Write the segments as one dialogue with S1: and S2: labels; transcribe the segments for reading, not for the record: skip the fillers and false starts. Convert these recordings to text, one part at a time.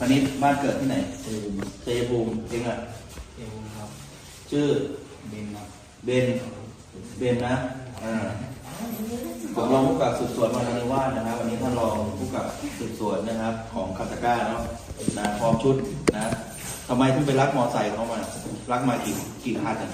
S1: คณิตบ้านเกิดที่ไหนชัยภูมิเองอ่ะ
S2: เอวครับ
S1: ชื่อ
S2: เบนครับ
S1: เบนนะผมรองผู้กำกับสืบสวนวานนิวาสนะครับวันนี้ท่านรองผู้กำกับสืบสวนนะครับของคาตาก้าเนาะนะพร้อมชุดนะทำไมถึงไปรักมอไซค์เขามารักมากี่คัน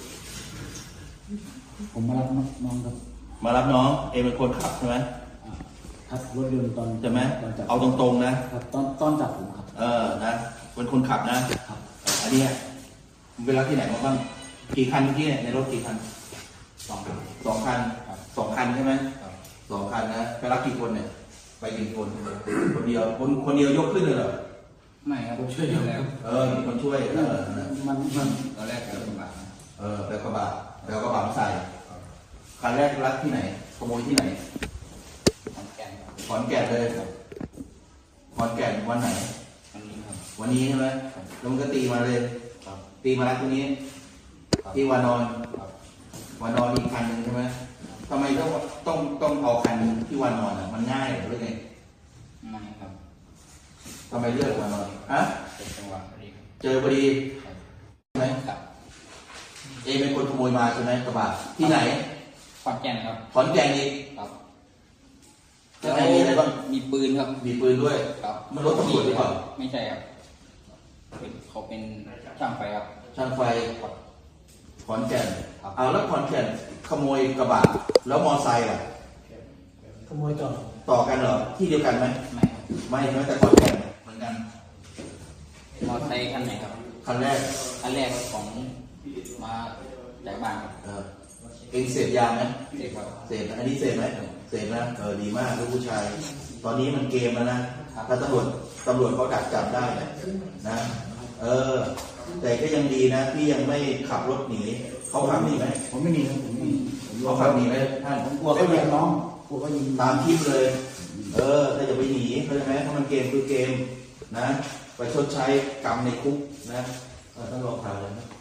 S2: ผมมารับน้องครับ
S1: มารับน้องเองเป็นคนขับใช่ไหม
S2: ครับรถยนต์ตอน
S1: ใช่ไหม
S2: ตอนจับ
S1: เอาตรงๆนะครับ
S2: ตอนจับผมครับ
S1: นะเป็นคนขับนะครับ อันนี้มึงไปรับที่ไหนมาบ้างกี่คันเมื่อกี้ในรถกี่คัน
S2: 2 ครับ
S1: 2 คัน
S2: ครับ
S1: 2 คันใช่ไหม
S2: ครับ
S1: 2 คันนะไปรับกี่คนเนี่ยไปกี่คนคนเดียวคนเดียวยกขึ้นเลยเหรอ
S2: ไม่ครับผมช่วยอยู่แล้ว
S1: มีคนช่วย
S2: มันตอนแรกเกิดลำบากนะ
S1: แล้วกระบะมาใส่คันแรกรับที่ไหนขโมยที่ไหน
S2: ขอนแก่นครับ
S1: ขอนแก่นเลยขอนแก่นวันไหน
S2: วันนี้ครับ
S1: วันนี้ใช่ไหมแล้วมันก็ตีมาเลย
S2: ครับ
S1: ตีมาแล้วตรงนี้
S2: ครับ
S1: ที่วานอน
S2: ครับ
S1: วานอนอีกคันหนึ่งใช่ไหมทำไมต้องเอาคันที่วานอนอ่ะมันง่ายหรือไง
S2: ไม่ครับ
S1: ทำไมเลือกวานอนฮะ
S2: เป็นจังหวะพอดีครับ
S1: เจอพอดี
S2: ครับ
S1: ใช่ไหม
S2: ครับ
S1: เอเป็นคนขโมยมาใช่ไหมกระบะที่ไหน
S2: ขอนแก่นครับ
S1: ขอนแก่นอีก
S2: ครับ
S1: ข้างในมีอะไรบ้าง
S2: มีปืนครับ
S1: มีปืนด้วย
S2: ครับ
S1: มันรถตำรวจหรือเปล่า
S2: ไม่ใช่ครับเขาเป็นช่างไฟครับ
S1: ช่างไฟ
S2: ครับ
S1: ขอนแก่น
S2: ครับ
S1: เอาแล้วขอนแก่นขโมยกระบะแล้วมอไซค์อ่ะ
S3: ขโมยต่อ
S1: ต่อกันเหรอที่เดียวกันไหม
S2: ไม่ครับ
S1: ไม่ใช่ไหมแต่ขอนแก่นเหมือนกัน
S2: มอเตอร์ไซค์คันไหนครับ
S1: คันแรก
S2: คันแรกของมาจากบ้านครับ
S1: เองเสพยาไหม
S2: เด็กครับ
S1: เสพอันนี้เสพไหมเสพนะดีมากลูกผู้ชาย ตอนนี้มันเกมแล้วนะถ้าตำรวจเขาดักจับได้นะแต่ก็ยังดีนะที่ยังไม่ขับรถหนีเขาขับหนีไหม
S3: ผมไม่มีครับผมไม่มี
S1: เขาขับหนีไหมท่าน
S3: ผมกลัวเขายิงน้องกลัวเขายิง
S1: ตามคลิปเลย ถ้าจะไปหนีเข้าใจไหมถ้ามันเกมคือเกมนะไปชดใช้กรรมในคุกนะต้องลองข่าวเลยนะ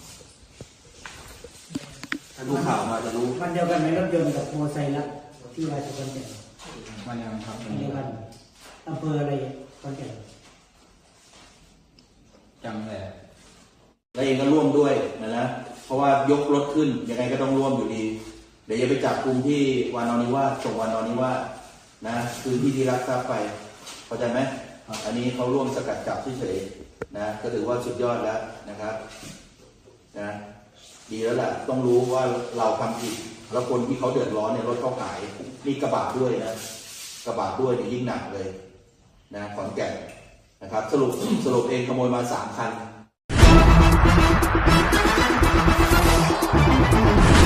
S1: ถ้าดูข่าวมาจะรู้
S3: วันเดียวกันไหมรถยนต์กับมอเตอร์ไซค์ละที่ราชบุรี
S2: วันยังครับ
S3: วันเดียวกันอำเภออะไรขอนแก่น
S2: จำเลย
S1: แล้วเองก็ร่วมด้วยนะเพราะว่ายกรถขึ้นยังไงก็ต้องร่วมอยู่ดี เดี๋ยวจะไปจับกลุ่มที่วานอนิวาสส่งวานอนิวาสนะคือที่รักทรัพย์ไปเข้าใจไหมอันนี้เขาร่วมสกัดจับเฉยๆนะก็ถือว่าสุดยอดแล้วนะครับนะดีแล้วล่ะต้องรู้ว่าเราทำผิดแล้วคนที่เขาเดือดร้อนเนี่ยรถเขาหายมีกระบะด้วยนะกระบะด้วยเนี่ยยิ่งหนักเลยนะขอนแก่นนะครับสรุปเองขโมยมา3 คัน